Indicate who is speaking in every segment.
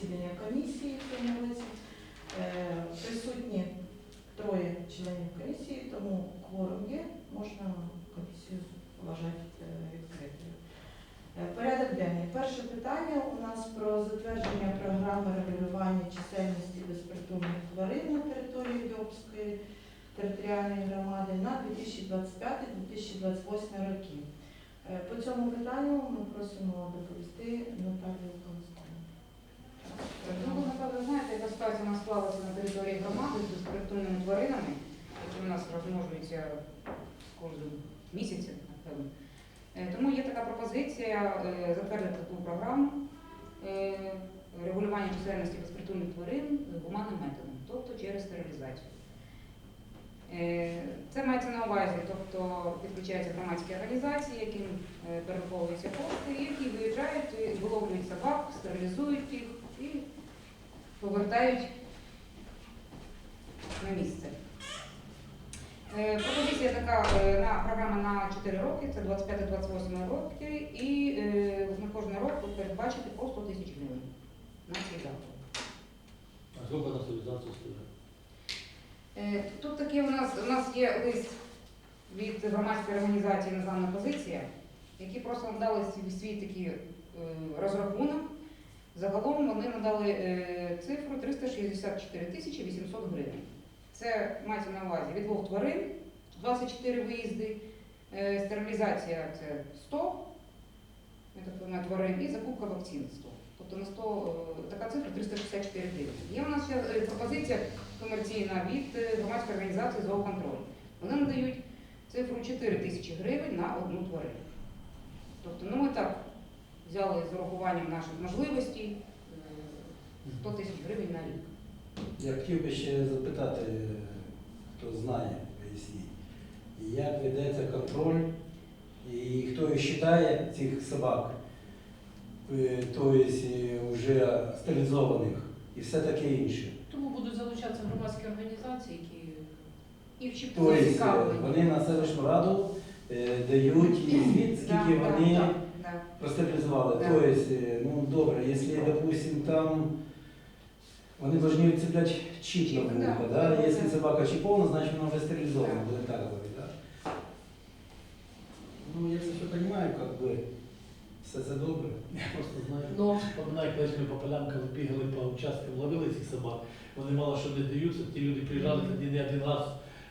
Speaker 1: засідання комісії в цьому році. Присутні 3 членів комісії, тому кворум є, можна комісію вважати відкритою. Порядок денний. Перше питання у нас про затвердження програми регулювання чисельності безпритульних тварин на території Йобської територіальної громади на 2025-2028 роки. По цьому питанню ми просимо доповісти Наталію Колоскову.
Speaker 2: Ну, ви, напевно, знаєте, яка ситуація у нас склалася на території громади з безпритульними тваринами, які у нас розмножуються кожен місяць, напевно. Тому є така пропозиція затвердити таку програму регулювання чисельності безпритульних тварин гуманним методом, тобто через стерилізацію. Це мається на увазі, тобто підключаються громадські організації, яким перераховуються кошти, які виїжджають, виловлюють собак, стерилізують їх і повертають на місце. Пропозиція така програма на 4 роки, це 25-28 роки, і на кожен рік передбачити по 100 тисяч гривень на цей заклад.
Speaker 3: А сколько на стерилизацию стоит?
Speaker 2: Тут таке у нас є лист від громадської організації «Незламна позиція», які просто надали свій такий розрахунок. Загалом вони надали цифру 364 тисячі 800 гривень. Це мається на увазі від 2 тварин, 24 виїзди, стерилізація це 100 тварин і закупка вакцин 100. Тобто на 100, така цифра 364 гривень. Є у нас ще пропозиція комерційна від громадської організації «Зооконтроль». Вони надають цифру 4 тисячі гривень на 1 тварину. Тобто ми так взяли з урахуванням наших можливостей 100 тисяч гривень на рік.
Speaker 4: Я хотів би ще запитати, хто знає, поясніть, як ведеться контроль і хто вважає цих собак, тобто вже стерилізованих і все таке інше.
Speaker 5: Тому будуть залучатися громадські організації, які
Speaker 2: І в ЧП
Speaker 4: Тобто
Speaker 2: зацікавлені.
Speaker 4: вони на селищну раду дають звіт, скільки вони
Speaker 2: Да.
Speaker 4: простерилізували.
Speaker 2: Да.
Speaker 4: Тобто, ну добре, якщо, допустим, там вони повинні відцепляти чіп на вухо, да? Якщо собака чіпована, значить вона вже стерилізована, буде так говорити, да? Ну, я це все розумію, як би, все це добре.
Speaker 3: Я просто знаю,
Speaker 5: Ну.
Speaker 3: вспоминаю, коли ми по полянкам бігали по участкам, ловили цих собак, вони мало що не даються, ті люди приїжджали тоді не один раз,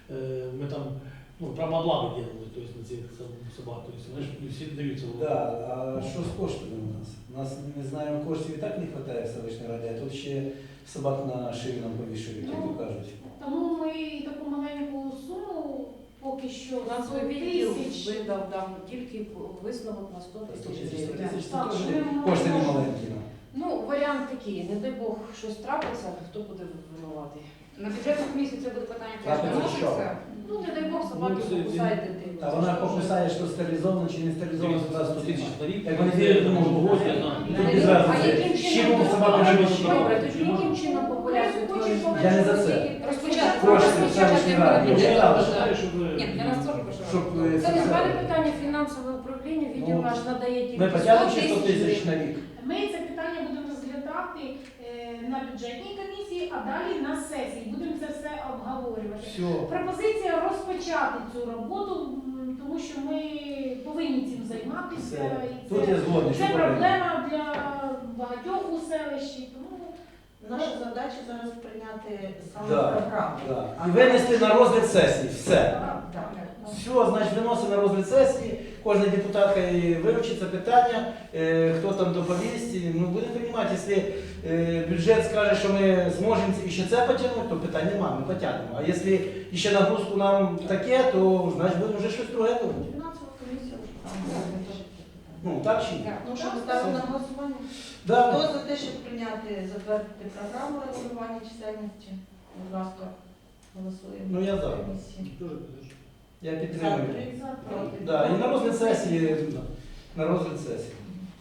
Speaker 3: ми там, ну, прямо облаву делали, то есть на цих собак, то есть вони ж не всі даються.
Speaker 4: Да, а що з коштами у нас? У нас, не знаю, коштів і так не вистачає в селищній раді, а тут ще собак на шию нам повішують, як то кажуть.
Speaker 5: тому ми таку маленьку суму поки що
Speaker 6: Фінансовий
Speaker 5: 100
Speaker 6: відділ
Speaker 5: тисяч.
Speaker 6: видав тільки висновок на 100
Speaker 4: 100
Speaker 6: тисяч
Speaker 4: тисяч, 100
Speaker 6: гривень.
Speaker 4: тисяч,
Speaker 5: Так,
Speaker 4: це
Speaker 5: що
Speaker 4: теж
Speaker 5: ми можемо-
Speaker 4: кошти не маленькі.
Speaker 6: Ну, варіант такий, не дай Бог щось трапиться, хто буде винуватий.
Speaker 2: На бюджетну комісію це буде питання теж
Speaker 4: Так, це що?
Speaker 2: виноситься.
Speaker 5: Ну, не дай Бог, собаки
Speaker 3: Ну, це-
Speaker 5: покусають дитину.
Speaker 4: А вона покусає, що стерилізовано чи не стерилізовано, туди 100 тисяч.
Speaker 3: на рік.
Speaker 4: Як вони вірять, то можуть
Speaker 3: Ось, я
Speaker 4: бути.
Speaker 3: знаю.
Speaker 4: Тут без разниці.
Speaker 6: яким
Speaker 4: З чим собака
Speaker 6: Добре,
Speaker 4: живе?
Speaker 6: Добре, тоді яким чином популяцію тварин?
Speaker 4: Я не за це.
Speaker 2: Розпочати.
Speaker 4: Кошти в селищній раді.
Speaker 3: Я
Speaker 4: Я
Speaker 3: знаю,
Speaker 4: знаю,
Speaker 3: щоб
Speaker 2: Ні, для нас теж пишу.
Speaker 4: щоб
Speaker 6: Це не зване питання фінансове управління, відділ
Speaker 4: Ну,
Speaker 6: наш надає тільки
Speaker 4: ми
Speaker 6: 100
Speaker 4: потягнемо ще 100
Speaker 6: тисяч
Speaker 4: тисяч на
Speaker 6: гривень.
Speaker 4: рік.
Speaker 5: Ми це питання будемо розглядати на бюджетній комісії, а далі на сесії. Будемо це все обговорювати.
Speaker 4: Все.
Speaker 5: Пропозиція розпочати цю роботу, тому що ми повинні цим займатися.
Speaker 4: Все.
Speaker 5: І
Speaker 4: Тут я згодний,
Speaker 5: це
Speaker 4: що правильно.
Speaker 5: проблема для багатьох у селищі. Тому
Speaker 1: Наша задача зараз прийняти саме
Speaker 4: Да,
Speaker 1: програму.
Speaker 4: да. І винести на розгляд сесії. Все.
Speaker 1: Так.
Speaker 4: Все, значить, виносимо на розгляд сесії, кожна депутатка і вивчить це питання, хто там доповість. Ну, будемо приймати, якщо бюджет скаже, що ми зможемо ще це потягнути, то питань немає, ми потягнемо. А якщо ще нагрузку нам таке, то значить будемо вже щось друге робити.
Speaker 1: Фінансова комісія вже там буде вирішити питання.
Speaker 4: Ну, так чи ні?
Speaker 2: Так.
Speaker 1: Ну що, ми ставимо на голосування?
Speaker 4: Да.
Speaker 1: Хто за те, щоб прийняти, затвердити програму регулювання чисельності? Будь ласка, голосуємо.
Speaker 4: Ну, я за.
Speaker 1: Комісії.
Speaker 3: Дуже підеш.
Speaker 4: Я
Speaker 1: За
Speaker 4: підтримую.
Speaker 1: 3, проти.
Speaker 4: Да, і на розгляд сесії, на розгляд сесії.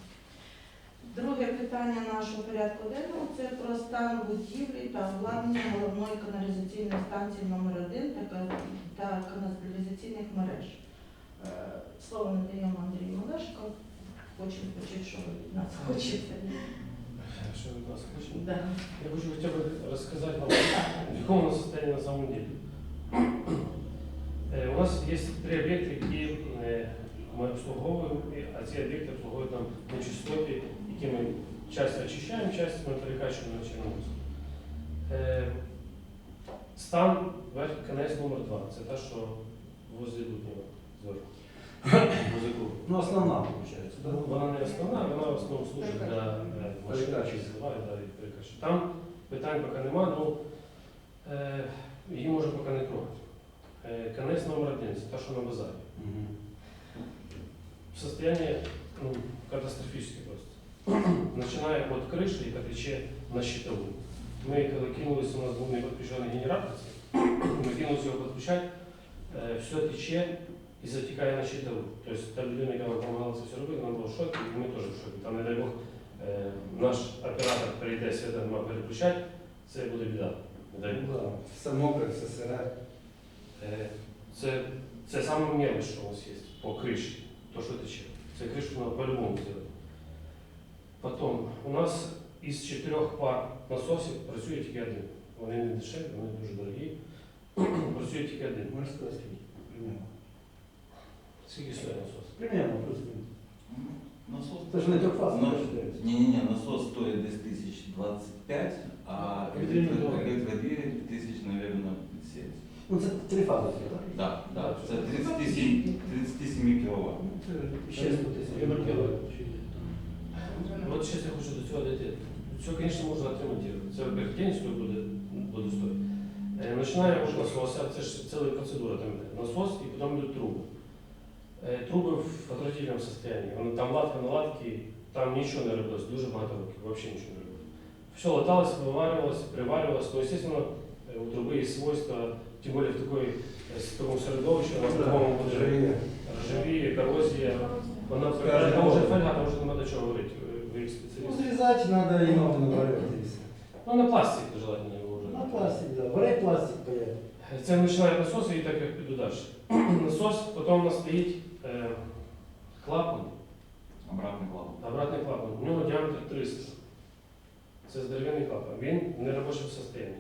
Speaker 1: Друге питання нашого порядку денного – це про стан будівлі та обладнання головної каналізаційної станції номер 1 та каналізаційних мереж. Слово надаємо Андрію Малешко. Хочемо почути, що ви від нас хочете.
Speaker 7: Что вы нас слышите?
Speaker 1: Да.
Speaker 7: Я хочу хотя бы рассказать вам, в каком у нас состоянии на самом деле. У нас есть 3 объекта, які ми обслуговуємо, а ці об'єкти обслуговують нам на частоті, які ми часть очищаємо, часть ми перекачуємо на Чорноморськ. Стан КНС номер 2, це та, що возле Дуднєва зверху.
Speaker 4: Ну, основна, виходить. Да?
Speaker 7: Вона не основна, вона в основному служить для машин,
Speaker 4: Перекачки.
Speaker 7: які зливають, да, і перекачки. Там питань поки нема, ну її можна поки не трогати. КНС номер 1, це та, що на базарі.
Speaker 4: Мгм.
Speaker 7: Состояние катастрофическое просто. Начиная от крыши и потече на щитовую. Мы, когда кинулись, у нас был неподключенный генератор, мы кинулись его подключать, все тече и затекает на щитовую. То есть та людина, яка нам допомагала це все робити, вона була в шокі, і ми теж в шокі. Там, не дай Бог, наш оператор прийде, свята нема переключати, це буде біда. Не дай Бог.
Speaker 4: Да. Все мокре, все сире.
Speaker 7: Це саме мелочь, що у нас є по криші, то, що тече. Це кришу треба по-любому зробити. Потім, у нас із 4 пар насосів працює тільки один. Вони не дешеві, вони дуже дорогі. Працює тільки один.
Speaker 4: Можна сказати, скільки? Примерно.
Speaker 7: Скільки стоїть насос?
Speaker 4: Примерно, плюс-мінус.
Speaker 8: Насос.
Speaker 4: Це ж не трьохфазний,
Speaker 8: Ну,
Speaker 4: я вважаю.
Speaker 8: не, насос стоит десь 1025, а электродвигатель тысяч, наверное, 70.
Speaker 4: Ну, це 3 фази, так?
Speaker 8: Да, да, це 37 кВт.
Speaker 4: Ну, це ще 100 тисяч.
Speaker 7: От зараз я хочу до цього дійти. Все, звісно, можна отремонтувати. Це, во-первых, день стоїть буде стоїть. Починає від насоса, це ж ціла процедура. Там насос і потім йдуть труби. Труби в отвратительному стані. Там латка на латки, там нічого не робилось, дуже багато років, взагалі нічого не робилось. Все латалось, виварювалось, приварювалось. Ну, естественно, у труби є свойства, тим більше в такому середовищі, в такому буде ржавіє, корозія. Вона там вже фольга, там вже нема до чого говорити, ви як
Speaker 4: Ну,
Speaker 7: спеціаліст.
Speaker 4: зрізати треба і ноги наварювати і все.
Speaker 7: Ну, на пластик желательно його вже.
Speaker 4: На пластик, да. Бери пластик, поїде.
Speaker 7: Це починає насос і так як піду далі. Насос, потім у нас стоїть клапан,
Speaker 8: Обратный клапан.
Speaker 7: обратний клапан. У нього діаметр 300. Це здоровенний клапан. Він в неробочому стані.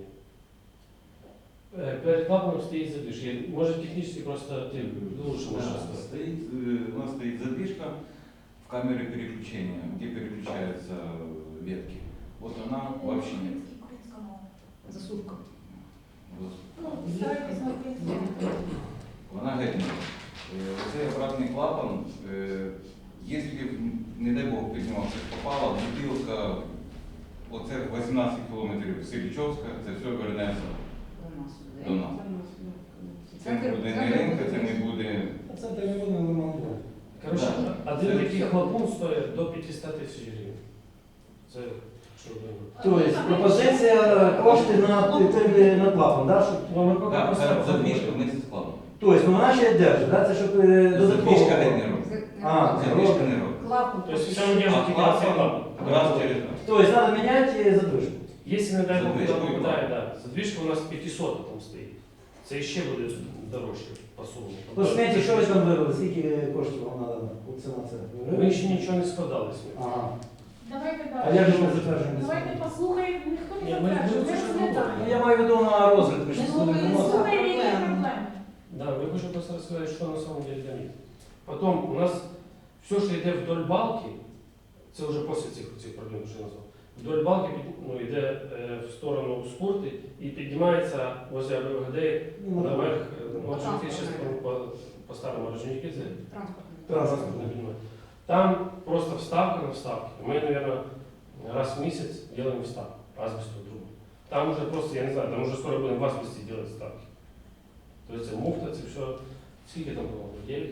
Speaker 7: Перед клапаном стоїть задвижка. Може технічно просто ти лучше можеш
Speaker 8: Да,
Speaker 7: розказати.
Speaker 8: у нас стоит задвижка в камере переключения, где переключаются ветки. Вот она вообще нет.
Speaker 2: Засувка.
Speaker 1: Ну, старайтесь на принципі.
Speaker 8: Вона геть не. Цей обратний клапан, якщо, не дай Бог, піднімався, попала бутилка, оце 18 кілометрів Силічовська, це все вернеться до нас. Це не буде не ринка, це не буде.
Speaker 4: Це не буде нормально.
Speaker 7: Коротше,
Speaker 8: Да.
Speaker 7: один
Speaker 8: Це
Speaker 7: такий
Speaker 8: все.
Speaker 7: хлопун стоїть до 500 тисяч гривень. Це що ви думаєте?
Speaker 4: Тобто пропозиція кошти на клапан, да? Щоб...
Speaker 7: Ну, ми поки
Speaker 8: Так,
Speaker 7: просто
Speaker 8: це задвижка вместе з клапаном.
Speaker 4: Тобто, ну вона ще держить, да? Це щоб додатково.
Speaker 8: Задвижка геть не робить.
Speaker 4: А,
Speaker 8: Задвижка не робить.
Speaker 6: Клапан.
Speaker 7: Тобто все ми держимо
Speaker 8: А
Speaker 7: тільки на цей
Speaker 8: клапан
Speaker 7: клапан.
Speaker 8: раз через раз.
Speaker 4: Тобто, треба міняти задвижку.
Speaker 7: Если, не дай Бог,
Speaker 8: Задвижку
Speaker 7: куда
Speaker 8: і
Speaker 7: попадає, да. Задвижка у нас 500 там стоїть. Це ще буде дорожче по сумі.
Speaker 4: По сметі, що ви там вивели? Скільки коштів вам треба? Ціна це?
Speaker 7: Ми ще нічого не складали з ним.
Speaker 4: Ага.
Speaker 5: Давайте
Speaker 4: А
Speaker 5: далі.
Speaker 4: як же ми затверджуємо?
Speaker 5: Давайте послухаємо, ніхто
Speaker 7: Ні,
Speaker 5: не
Speaker 7: ми
Speaker 5: затверджує,
Speaker 7: будемо
Speaker 5: ми
Speaker 7: це ж
Speaker 5: розглядаємо.
Speaker 4: Ну, я маю в виду на розгляд, ми ж
Speaker 6: Ну,
Speaker 4: будемо
Speaker 6: ви
Speaker 4: виносити.
Speaker 5: Слухаємо, які проблеми.
Speaker 7: Да, я хочу просто розказати, що на самом деле там є. Потім у нас все, що йде вдоль балки, це вже після цих проблем, що я назвав. Вдоль балки йде в сторону спорти і піднімається возле АБВГД
Speaker 4: Ну,
Speaker 7: наверх. По-старому Орджонікідзе.
Speaker 2: Транспортний.
Speaker 7: Там просто вставка на вставке. Мы, наверное, раз в месяц делаем вставку, асбестовую трубу. Там уже просто, я не знаю, там уже скоро будем в асбесте делать вставки. То есть муфта, это все, сколько там было? 9?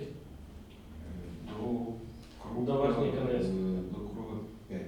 Speaker 8: До
Speaker 7: До верхній конець.
Speaker 8: До круга 5.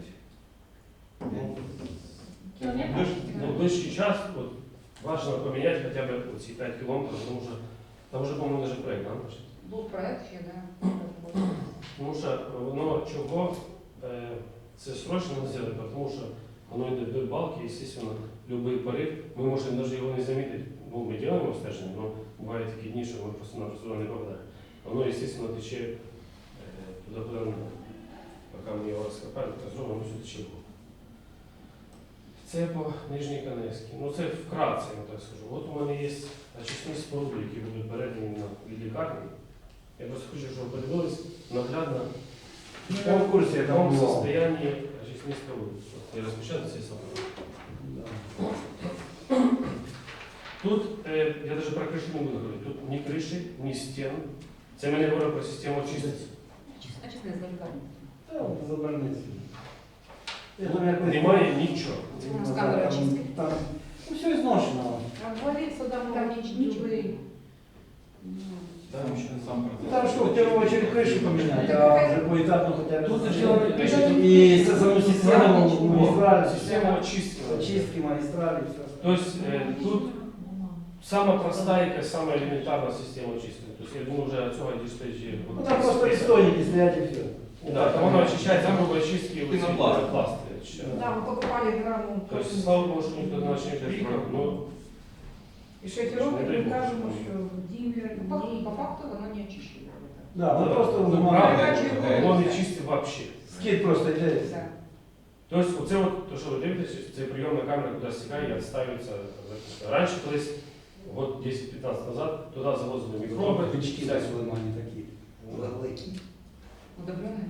Speaker 5: Кілометр?
Speaker 7: Ну, в ближчий час вот, важно поменять хотя бы вот эти 5 километров, потому что там уже, по-моему, даже проект, да, пошли?
Speaker 2: Був проект ще, да.
Speaker 7: Тому що воно чого це срочно не зробити, тому що воно йде вдоль балки, і, звісно, будь-який порив, ми можемо навіть його не замітити. Ну, ми робимо стеження, але бувають такі дні, що ми просто-напросто не попадаємо. Воно, звісно, тече туди, куди не треба. Поки ми його розкопаємо, так зробимо, воно все тече. Це по Нижній Каневській. Ну це вкратце, я так скажу. От у мене є очисні споруди, які будуть передані від лікарні. Я просто хочу, щоб ви подивились наглядно, в
Speaker 4: Я в курсі, я там
Speaker 7: якому
Speaker 4: бував.
Speaker 7: состоянні очисні споруди. От я розпочав ці саме. Тут, я навіть про кришу не буду говорити, тут ні криші, ні стін. Це ми не говоримо про систему очистки.
Speaker 2: А чесно, з лікарні.
Speaker 4: За больницю.
Speaker 7: Немає нічого.
Speaker 2: Це у нас камера очистки.
Speaker 4: Там, ну, все изношено.
Speaker 6: Обвалиться там нічого.
Speaker 8: Там ще сам процес.
Speaker 4: Там что, в первую очередь крышу поменять, а уже поэтапно хотя бы.
Speaker 7: Тут же дело не криші, тут
Speaker 4: И саму систему магистрали,
Speaker 7: система очистки.
Speaker 4: очистки магистрали, все.
Speaker 7: То есть тут самая простая и самая элементарная система очистки. То есть я думаю, уже отсюда дійшли.
Speaker 4: Ну там просто пистоники стоять и все.
Speaker 7: Да, там оно очищает, там грубо очистки вот эти
Speaker 8: Пенопласт.
Speaker 7: пенопласты.
Speaker 2: Да, ми покупали граму.
Speaker 7: То есть слава Богу, что никто не начнет но
Speaker 6: І шофером кажемо, що дім'я,
Speaker 2: По факту воно не очищує.
Speaker 4: Да, ну просто
Speaker 7: ну,
Speaker 4: вымывают.
Speaker 7: правда, воно не чисте вообще.
Speaker 4: Скид просто идет.
Speaker 2: Так.
Speaker 7: Тобто оце от, то, що ви дивитесь, це прийомна камера, куди стікає і відставиться. Раніше колись, год 10-15 назад, туди завозили мікроби.
Speaker 4: Бички
Speaker 7: всякі.
Speaker 4: они такие.
Speaker 2: Удобрене?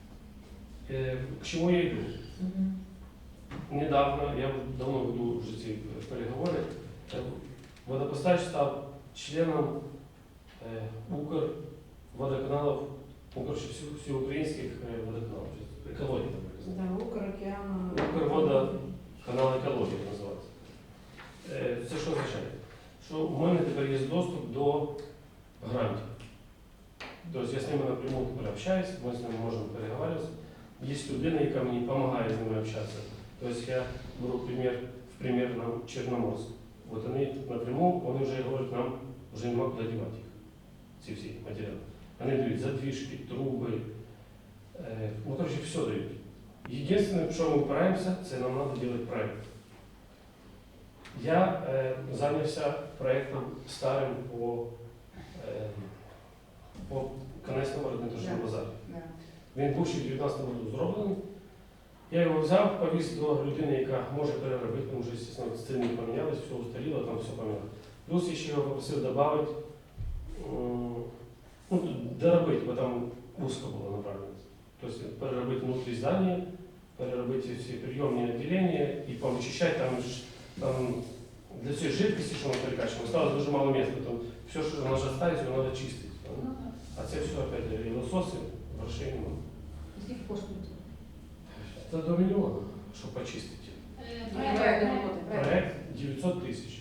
Speaker 7: К чому я йду? Недавно, я давно веду вже ці переговори, водопостач став членом Укрводоканалів, всеукраїнських водоканалів, екології.
Speaker 6: да, Укрокеана.
Speaker 7: Укрводоканал екології називається. Це що означає? Що у мене тепер є доступ до грантів. Тобто я з ними напряму тепер общаюсь, ми з ними можемо переговорюватися. Є людина, яка мені допомагає з ними общатися. Тобто я беру примір нам Чорноморськ. От вони напряму, вони вже говорять, нам вже нема куди дівати їх, ці всі матеріали. Вони дають задвижки, труби, ну, коротше, все дають. Єдине, що ми опираємося, це нам треба робити проєкт. Я зайнявся проєктом старим по Каневському рідноточному базарі.
Speaker 2: Да.
Speaker 7: Він був ще в 2019 році зроблений. Я його взяв, повіз до людини, яка може переробити, тому що, звісно, ціни помінялись, все устаріло, там все поміняло. Плюс я ще його попросив додати, ну, доробити, бо там узко було направлено. Тобто переробити внутрі здання, переробити всі прийомні відділення і повичищати там для цієї жидкості, що ми перекачуємо, осталось дуже мало місця, там все, що вона ж остається, його треба чистити. А це все, опять, і лососи, грошей немає.
Speaker 2: Скільки коштує?
Speaker 7: Це до мільйона, щоб почистити. Проект 900 тисяч.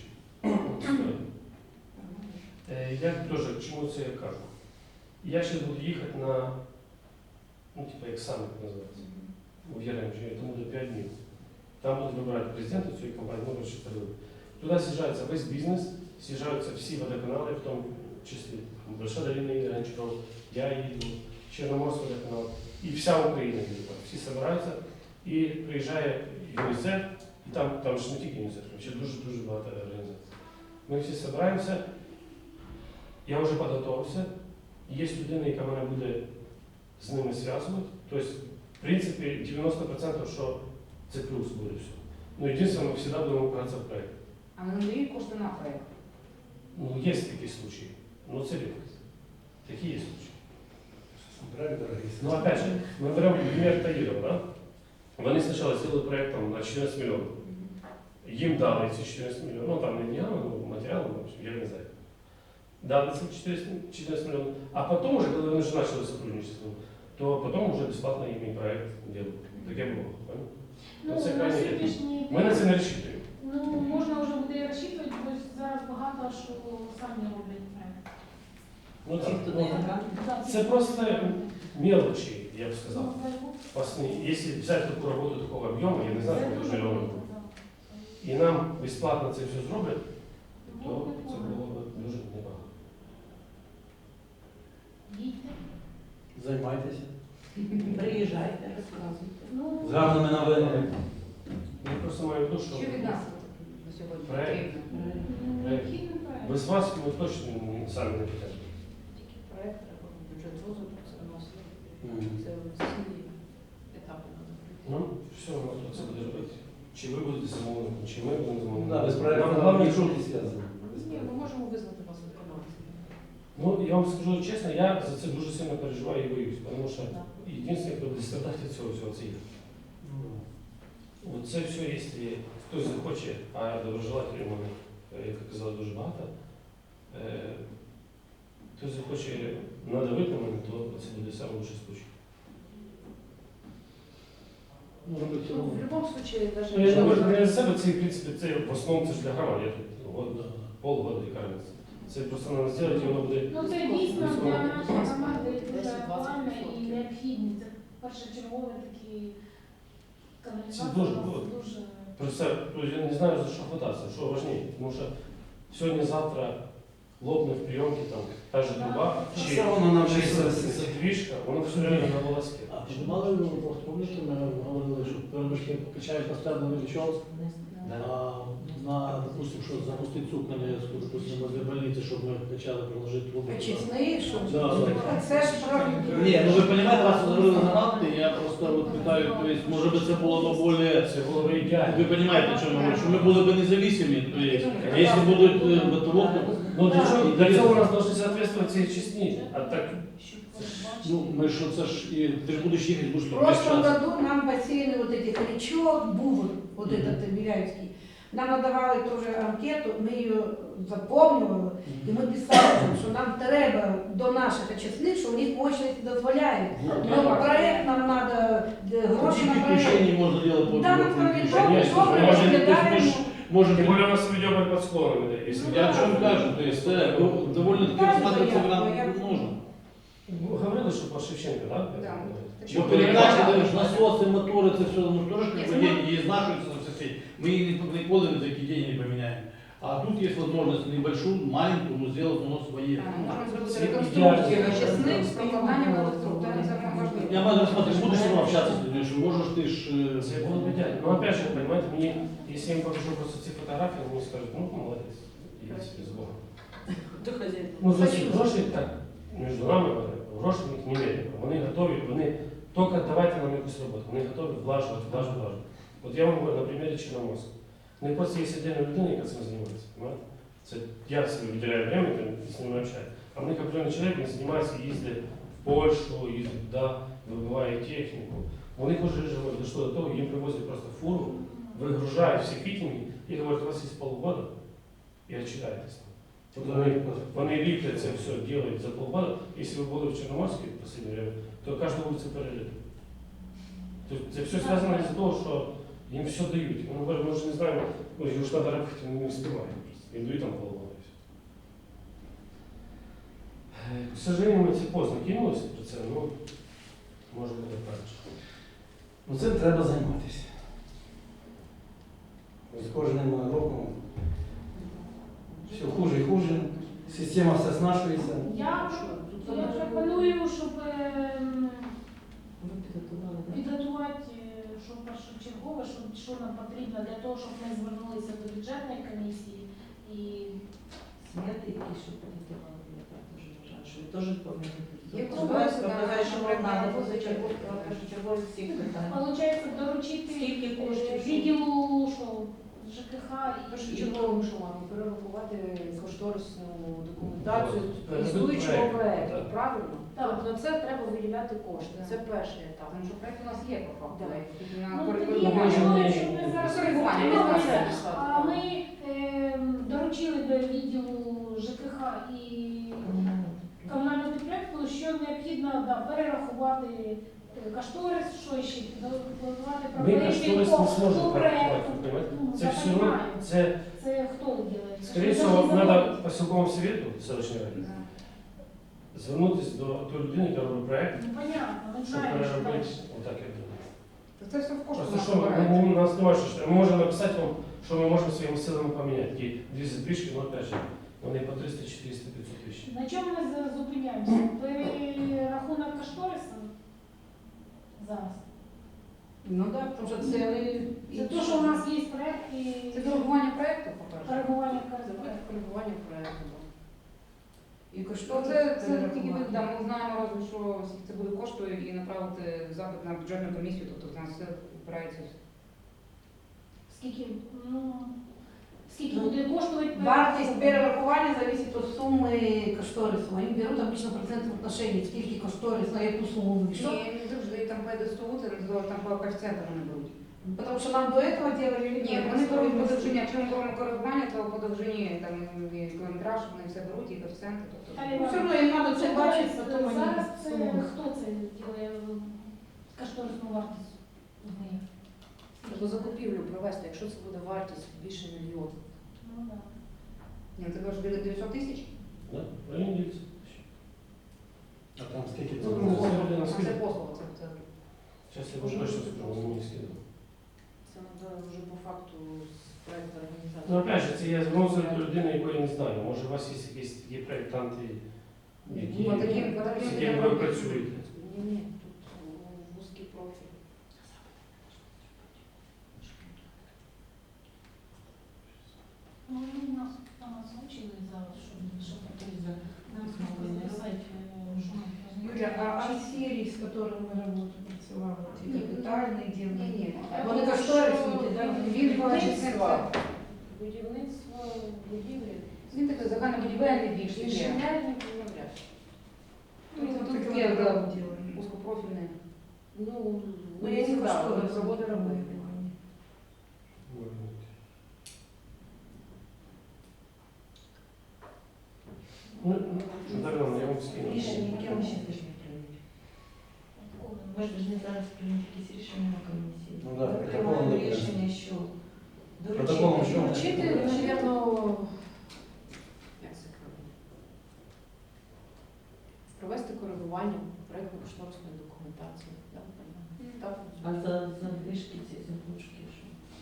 Speaker 7: Я теж, чому це я кажу? Я зараз буду їхати на, ну, типа, екзамен називається. У Яремчі, тому до 5 днів. Там будуть вибирати президента цієї компанії, ну, коротше, туди з'їжджається весь бізнес, з'їжджаються всі водоканали, в тому числі Большая долина Ігоря Гончарова, я їду, Чорноморський водоканал, і вся Україна їде. Всі збираються, і приїжджає ЮНІСЕФ, і там ж не тільки ЮНІСЕФ, ще дуже багато організацій. Ми всі збираємося, я вже підготувався, є людина, яка мене буде з ними зв'язувати. Тобто, в принципі, 90% що це плюс буде все. Ну, єдине, ми завжди будемо опиратися в проєкт.
Speaker 2: А вони надають кошти на проєкт?
Speaker 7: Ну, є такі случаї. Ну, це рідкість. Такі є случаї. Ну, опять же, мы берем пример Таирова, да? Вони спочатку зробили проєкт там, на 14 мільйонів. Їм дали ці 14 мільйонів, ну там не днями, ну матеріалами, я не знаю. Дали ці 14 мільйонів. А потім, вже, коли вони вже почали сотрудничество, то потім вже безплатно їм і проєкт робили. Таке було.
Speaker 5: Ну,
Speaker 7: Це
Speaker 5: на
Speaker 7: крайній
Speaker 5: сьогоднішній
Speaker 7: Ми на це
Speaker 5: день,
Speaker 7: не розчитуємо.
Speaker 5: ну, можна вже буде розчитувати, бо зараз багато що самі роблять проект.
Speaker 7: Ну, так,
Speaker 6: хто
Speaker 7: ну,
Speaker 6: не грант.
Speaker 5: Да,
Speaker 7: це просто мелочі, я б сказав.
Speaker 5: ну,
Speaker 7: Если взять таку роботу такого об'єму, я не знаю, сколько ж мільйонів, і нам безплатно це все зроблять, то це було б дуже небагато.
Speaker 5: Їдьте.
Speaker 4: Займайтеся.
Speaker 6: Приїжджайте, розказуйте.
Speaker 5: Ну,
Speaker 4: З гарними новинами.
Speaker 7: Я просто маю в виду, що
Speaker 2: Що від нас на сьогодні
Speaker 7: Проект.
Speaker 2: потрібно?
Speaker 5: необхідний проект.
Speaker 7: без вас ми точно самі не підемо.
Speaker 6: Тільки проєкт треба, бюджет розвитку, це вносити. Це всі етапи надо пройти.
Speaker 7: Ну, все, ми тут це буде робити. чи ви будете замовником, чи ми будемо замовником.
Speaker 4: Да, без
Speaker 7: Нам
Speaker 4: проекту
Speaker 7: головне,
Speaker 4: нічого
Speaker 7: щоб-
Speaker 4: не зв'язано.
Speaker 6: Ні, ми можемо визнати вас виконавцем.
Speaker 7: Ну, я вам скажу чесно, я за це дуже сильно переживаю і боюсь, тому що єдине, хто буде страдати від цього всього, це я. От це все, якщо хтось захоче, а доброжелателів у мене, як я казав, дуже багато, хтось захоче надавити на мене, то це буде найкращий случай.
Speaker 3: Ну, робити
Speaker 6: Ну, в будь-якому випадку,
Speaker 7: Ну, я не можу
Speaker 6: навіть
Speaker 7: не за себе, це, в принципі, це в основному це ж для громад. Я тут от,
Speaker 3: да.
Speaker 7: полгода і кажеться. Це просто треба зробити, і воно буде.
Speaker 5: Ну це дійсно
Speaker 7: Військово.
Speaker 5: для нашої громади дуже
Speaker 6: 10-20%.
Speaker 5: актуально і необхідні. Це першочергові такі
Speaker 7: Це
Speaker 5: каналізації.
Speaker 7: дуже
Speaker 5: у нас
Speaker 7: було.
Speaker 5: дуже.
Speaker 7: Просто я не знаю, за що хвататися, що важливо. Тому що сьогодні-завтра лопне в прийомці там та ж труба, чи
Speaker 4: Все воно нам вже
Speaker 7: задвіжка, воно все время на волоске.
Speaker 3: А піднімали ви просто, пам'ятаєте, ми говорили, що перемишки покачають постійно новичок, а на, допустим, що запустити цукнення, допустим, возле больниці, щоб ми почали приложити трубу.
Speaker 6: очисний, щоб
Speaker 3: Да, да.
Speaker 2: Це ж справді.
Speaker 3: Ні, ну ви розумієте, вас говорили гранати, я просто от питаю, то есть, може би це було б більше,
Speaker 7: Це було б ідеально.
Speaker 3: ви розумієте, що ми говоримо, що ми були б незалежні, то есть, а якщо будуть БТО,
Speaker 7: Ну для цього у нас повинні соответствувати ці чесні, а так
Speaker 3: ну, ми що це ж, і ти ж будеш їхати, будеш
Speaker 9: В
Speaker 3: тут
Speaker 9: прошлом
Speaker 3: весь час.
Speaker 9: году нам посеяли вот этих речок, бувр, вот этот Миляевский. Нам надавали тоже анкету, ми її заповнювали, і ми писали, що нам треба до наших очисних, що у них очередь дозволяє. Ну, проект нам треба, гроші
Speaker 3: Какие
Speaker 9: на проект.
Speaker 3: приключения можно делать по
Speaker 9: Да,
Speaker 3: по-
Speaker 9: мы
Speaker 3: по-
Speaker 9: проведем,
Speaker 7: Конечно,
Speaker 9: добре,
Speaker 7: може,
Speaker 9: розглядаємо.
Speaker 3: Может,
Speaker 7: тим більше у нас ведемо під склонами, якщо
Speaker 3: я о чем кажу, то есть довольно-таки рассматриваться нам нужно.
Speaker 7: говорили, що по Шевченка, так?
Speaker 2: Да.
Speaker 3: Ну, передачи, даешь, насосы, моторы, это все, ну, тоже как бы деньги изнашиваются на все. Мы николи ни за какие деньги не поменяем. А тут есть возможность небольшую, маленькую, но сделать у нас свои.
Speaker 2: Можна зробити реконструкцію очисних з прокладанням електроудару. Це можливо.
Speaker 3: Я могу рассмотреть, будешь с ним общаться с людьми, что можешь ты ж...
Speaker 7: Це було б ідеально. Ну, опять же, понимаете, мені, якщо я їм покажу просто ці фотографії, вони скажуть, ну, молодець, я собі з Богом.
Speaker 6: до хазяїна.
Speaker 7: Ну, за ці гроші, так, між нами, гроші в них немерено. Вони готові, вони тільки давайте нам якусь роботу, вони готові влажувати. От я вам говорю на примірі Чорноморська. Не просто є отдельна людина, яка цим займається. Понимаете? Це я собі виділяю время, з ними общаюсь. А в них определенний чоловік, він займається, їздить в Польщу, їздить туди, вибиває техніку. Вони вже дійшло до того, їм привозять просто фуру, вигружають всі фітінги і говорять, у вас є полгода, і відчитаєтесь. Вони ліплять це все, роблять за полгода. Якщо ви були в Чорноморській в останнє время, то кожну вулицю переліт. Тобто це все зв'язано з того, що їм все дають. Вони говорять, ми вже не знаємо, ой, його ж треба робити, вони не встигають. Їм дають там полгода. К сожалению, ми це поздно кинулися про це, ну, може бути краще.
Speaker 4: Ну цим треба займатися. З кожним роком все хуже і хуже. Система все знашується.
Speaker 5: Я пропоную, щоб
Speaker 6: Ви підготували, так?
Speaker 5: підготувати, що першочергове, що нам потрібно для того, щоб ми звернулися до бюджетної комісії і
Speaker 1: Смети якісь, що підготували, я так теж вважаю, що ви теж повинні
Speaker 2: Є
Speaker 1: підготувати.
Speaker 2: можливість,
Speaker 1: Показати, що вам
Speaker 2: да,
Speaker 1: треба
Speaker 2: позичергово.
Speaker 1: першочергові всіх питань.
Speaker 5: виходить доручити
Speaker 1: Скільки коштів?
Speaker 5: відділу що, ЖКХ і
Speaker 6: Першочерговим, що маємо перерахувати кошторисну документацію
Speaker 7: Ну,
Speaker 6: існуючого
Speaker 7: проект,
Speaker 6: проекту,
Speaker 7: так.
Speaker 6: правильно?
Speaker 5: Так.
Speaker 6: Тобто на це треба виділяти кошти.
Speaker 2: Так.
Speaker 6: Це перший етап.
Speaker 2: Тому що проект у нас є по факту.
Speaker 6: Да.
Speaker 2: Тільки на
Speaker 5: Ну, тоді я
Speaker 2: коригування.
Speaker 5: пропоную, щоб ми зараз
Speaker 2: Коригування,
Speaker 5: розглянули,
Speaker 2: не
Speaker 5: а ми доручили до відділу ЖКХ і комунального підприємства, що необхідно перерахувати кошторис, що ще підготувати
Speaker 7: Ми кошторис не зможемо
Speaker 5: по
Speaker 7: порахувати,
Speaker 5: проекту.
Speaker 7: понимаете?
Speaker 5: Ну,
Speaker 7: Це
Speaker 5: я
Speaker 7: все одно,
Speaker 5: понимаю.
Speaker 7: це,
Speaker 5: Це хто робить?
Speaker 7: скоріше всього, треба по сілковому совєту селищної ради
Speaker 2: Да.
Speaker 7: звернутися до тої людини, яка робить проект,
Speaker 5: Ну, понятно, ми
Speaker 7: щоб
Speaker 5: знаємо, що
Speaker 7: переробити.
Speaker 5: дальше.
Speaker 7: Отак я думаю.
Speaker 2: Це все в кошти
Speaker 7: Просто
Speaker 2: нас
Speaker 7: що
Speaker 2: набирається.
Speaker 7: у нас немає що. Ми можемо написати вам, що ми можемо своїми силами поміняти. Ті дві задвижки, ну опять же, вони по 300, 400, 500 тисяч.
Speaker 5: На чому ми зупиняємося? Перерахунок кошторису зараз.
Speaker 9: Ну так, тому що це
Speaker 5: Це те, що у нас є проект і
Speaker 2: Це коригування проекту, по-перше.
Speaker 5: коригування
Speaker 6: Це
Speaker 5: проекту.
Speaker 6: коригування проекту.
Speaker 9: і
Speaker 2: То
Speaker 9: кошторис.
Speaker 2: це тільки ми, да, ми знаємо разве, що скільки це буде коштує і направити запит на бюджетну комісію, тобто в нас все впирається.
Speaker 5: Скільки буде коштувати?
Speaker 9: Вартість перерахування залежить від суми кошторису. Вони беруть обычно процентне отношення, скільки кошторис, на яку суму вийшов.
Speaker 2: Ні, не завжди там по ДСТУ, це там по коефіцієнтам вони беруть.
Speaker 9: Потому що нам до этого делали
Speaker 2: Ні, вони беруть по довжині, якщо ми беремо коригування, то по довжині там і кілометраж, вони все беруть, і коефіцієнти. Тобто.
Speaker 9: Ну, все одно їм треба це бачити, потім вони
Speaker 5: Зараз це
Speaker 9: сумують.
Speaker 5: хто це робить кошторисну вартість?
Speaker 6: Тобто закупівлю провести, якщо це буде вартість більше мільйона.
Speaker 5: Ну так.
Speaker 2: Ні, це кажуть 900 тисяч?
Speaker 7: Да? В районі 900 тисяч.
Speaker 4: А там скільки це?
Speaker 7: Ну,
Speaker 2: А
Speaker 7: на
Speaker 2: це
Speaker 7: скидку.
Speaker 2: послуга, це.
Speaker 7: Зараз я вже точно скажу, вони мені скидали.
Speaker 6: Це треба вже по факту з проекту організації.
Speaker 7: Ну, опять же, це я звернувся до людини, якої не знаю. Може, у вас є якісь такі проєктанти, які
Speaker 2: По таким
Speaker 7: з якими ви працюєте?
Speaker 6: Ні, тут вузький профіль.
Speaker 5: Ну, нас озвучили зараз, що таке за нас могли написати, що ми
Speaker 9: Юля, а серии, с которыми мы работаем, працювали, ці капітальні
Speaker 2: Ні,
Speaker 9: діли?
Speaker 2: ні.
Speaker 9: Вони кошторисні, так?
Speaker 2: Він бачиться.
Speaker 6: Будівництво будівлі.
Speaker 2: Він такий загальнобудівельний більш таке.
Speaker 6: Інженерні навряд.
Speaker 2: Тут таке да, узкопрофільне.
Speaker 6: Ну,
Speaker 9: Ну, я не
Speaker 6: да,
Speaker 9: кошторис,
Speaker 6: проводи
Speaker 9: роботи
Speaker 6: робити.
Speaker 9: робити.
Speaker 7: Ну, Дар'яна, я вам скину.
Speaker 1: Рішення, яке ми ще повинні прийняти? Ми ж повинні зараз прийняти якісь рішення на комісії.
Speaker 4: Ну да,
Speaker 1: Ми
Speaker 4: протоколом
Speaker 1: приймаємо
Speaker 4: не
Speaker 1: рішення, що
Speaker 4: Протоколом що?
Speaker 6: Вчити, навірно, як це кажуть? Провести коригування проєктно-кошторисної документації. Да? Так.
Speaker 1: А за вишки ці заглушки, що?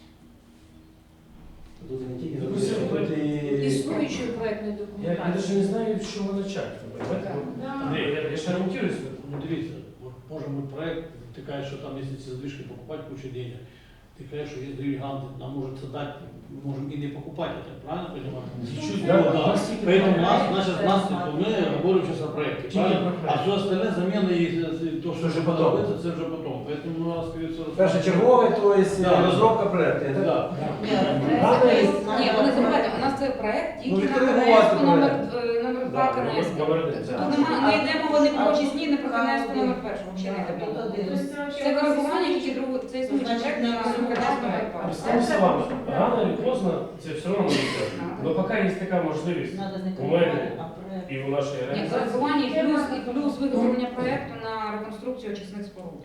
Speaker 4: Тут не тільки
Speaker 7: Ну,
Speaker 4: записують, тут і...
Speaker 6: Існуючої проєктної
Speaker 7: Я
Speaker 6: документації.
Speaker 7: навіть не знаю, з чого почати. Понимаете?
Speaker 5: Да.
Speaker 7: Андрій, я ж орієнтуюсь.
Speaker 3: Ну дивіться, от можемо ми проект, ти кажеш, що там, якщо ці задвижки покупати, кучу денег. Ти кажеш, що є гіганти, нам можуть це дати, ми можемо і не покупати, я так правильно розумію?
Speaker 7: Чуть-чуть,
Speaker 3: Да,
Speaker 7: да,
Speaker 3: да.
Speaker 7: пластики.
Speaker 3: Поэтому нас, мы говорим сейчас о проекте,
Speaker 7: Тільки
Speaker 3: правильно?
Speaker 7: про проект.
Speaker 3: А все остальное замены и то, что
Speaker 4: Вже
Speaker 3: уже
Speaker 4: потом.
Speaker 3: подобается, це вже потом. Поэтому у нас, скорее всего,
Speaker 4: Першочергове, то є
Speaker 3: Да.
Speaker 4: розробка проєкту.
Speaker 3: Да.
Speaker 2: Ні, вони забувають, у нас це проект
Speaker 4: Ну,
Speaker 2: тільки на
Speaker 4: відкоригувати
Speaker 2: КНС номер 2
Speaker 7: Да,
Speaker 2: КНС.
Speaker 7: номер один,
Speaker 2: Тут
Speaker 7: да.
Speaker 2: не йде мова не про очисні, не про КНС номер 1, взагалі не йде мова. Це коригування тільки другого, це існуючий проект на КНС номер 2.
Speaker 7: Представим словами, рано или поздно це все одно не йде. Но поки є така можливість
Speaker 1: Надо не
Speaker 7: у мене
Speaker 1: коригувати, а проект.
Speaker 7: і у нашої
Speaker 2: Ні,
Speaker 7: організації.
Speaker 2: коригування і плюс виготовлення проекту на реконструкцію очисних споруд.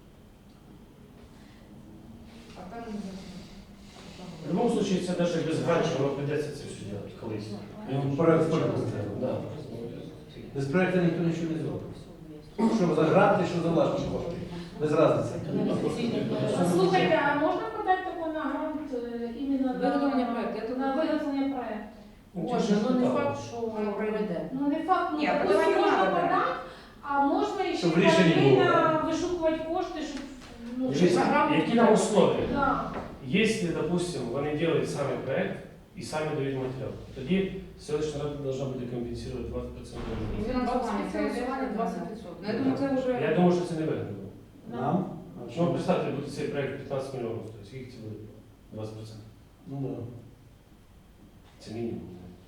Speaker 2: А там
Speaker 7: В будь-якому випадку це навіть без гранчу, воно прийдеться це все робити колись.
Speaker 4: Ну, проект скільки буде?
Speaker 7: Да.
Speaker 4: Без проєкту ніхто нічого не зробить. Що за гранти, що за власні кошти. Без різниці.
Speaker 5: Слухайте, а можна подати таку на грант іменно
Speaker 2: Виготовлення проекту.
Speaker 5: на виготовлення проекту?
Speaker 6: Боже, ну не факт, що воно пройде.
Speaker 5: Ну не факт, ну
Speaker 2: Ні,
Speaker 5: допустим,
Speaker 2: подавати
Speaker 5: можна
Speaker 2: надо, да.
Speaker 5: подати, а можна і ще
Speaker 4: Щоб рішення було,
Speaker 5: паралельно вишукувати кошти, щоб ну,
Speaker 7: Дивіться, які нам условия?
Speaker 5: Да.
Speaker 7: Если, допустим, вони делают сами проект і самі дають матеріал, тоді селищна рада должна буде компенсувати 20%.
Speaker 2: І фінансування, це
Speaker 6: Фінансування 20%.
Speaker 2: Ну, я думаю, це вже...
Speaker 7: Я думаю, що це не вигідно.
Speaker 4: Нам? А
Speaker 7: Ну,
Speaker 4: що?
Speaker 7: представте, буде цей проект 15 мільйонів, тобто скільки це буде? 20%.
Speaker 4: Ну да.
Speaker 7: Це мінімум.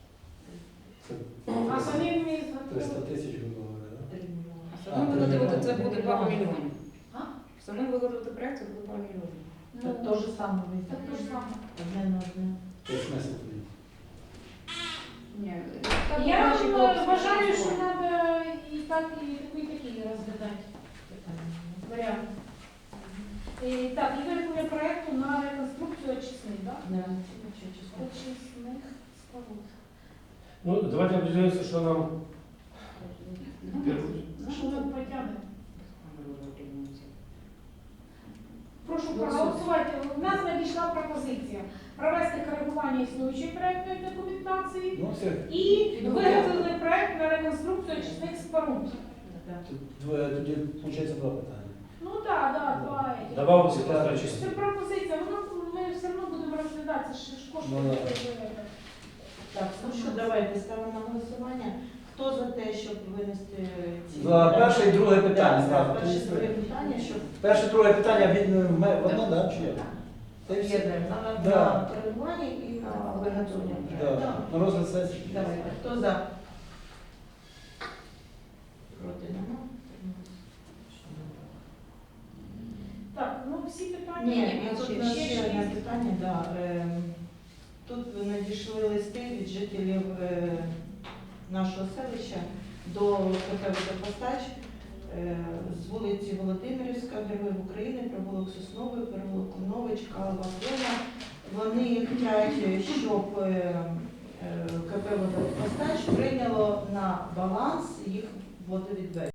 Speaker 5: А самі ми
Speaker 4: 300 тисяч, грубо говоря, да?
Speaker 2: Саме виготовити це буде пару мільйонів.
Speaker 5: А?
Speaker 2: Саме виготовити проект це буде пару мільйонів.
Speaker 1: Так то же саме
Speaker 5: Так то ж саме.
Speaker 1: одне на одне.
Speaker 4: Це смисл тоді.
Speaker 2: Ні,
Speaker 5: Я
Speaker 2: наші хлопці
Speaker 5: вважаю, що
Speaker 2: працювали.
Speaker 5: треба і так, і такі розглядати варіанти. Так, і вироблення проєкту на реконструкцію очисних, так?
Speaker 1: Да.
Speaker 5: Очисних споруд.
Speaker 7: Ну, давайте определимося, що нам
Speaker 5: Що ми потягнемо? Прошу проголосувати. У нас надійшла пропозиція провести коригування існуючої проєктної документації
Speaker 4: Ну все.
Speaker 5: і виготовлений проєкт на реконструкцію очисних споруд.
Speaker 4: Тоді виходить два питання.
Speaker 5: Ну так, два.
Speaker 7: добавився
Speaker 4: Так.
Speaker 7: просто
Speaker 5: Це
Speaker 7: очисні.
Speaker 5: пропозиція, ми все одно будемо розглядати, це ж кошти.
Speaker 4: Ну, да.
Speaker 1: Так, ну що, давайте ставимо на голосування. Хто за те, щоб винести ці...
Speaker 4: За перше і друге питання
Speaker 1: Так,
Speaker 4: зразу.
Speaker 1: перше і друге питання, щоб...
Speaker 4: Перше, друге питання від одне, да, чи як? Та й все.
Speaker 1: Об'єднуємо
Speaker 4: Да.
Speaker 1: на коригування і на виготовлення проекту.
Speaker 4: Да. На розгляд сесії.
Speaker 1: Давайте, хто за? Проти нема?
Speaker 5: Так, ну всі питання.
Speaker 1: Ні,
Speaker 2: ну,
Speaker 1: тут
Speaker 2: ще-
Speaker 1: у нас
Speaker 2: ще
Speaker 1: ще одне
Speaker 2: шість.
Speaker 1: питання. Да. Тут надійшли листи від жителів нашого селища до КП «Водопостач» з вулиці Володимирівська, Героїв України, провулок Сосновий, провулок Конович, Калова, Клена. Вони хочуть, щоб КП «Водопостач» прийняло на баланс їх водовідведення.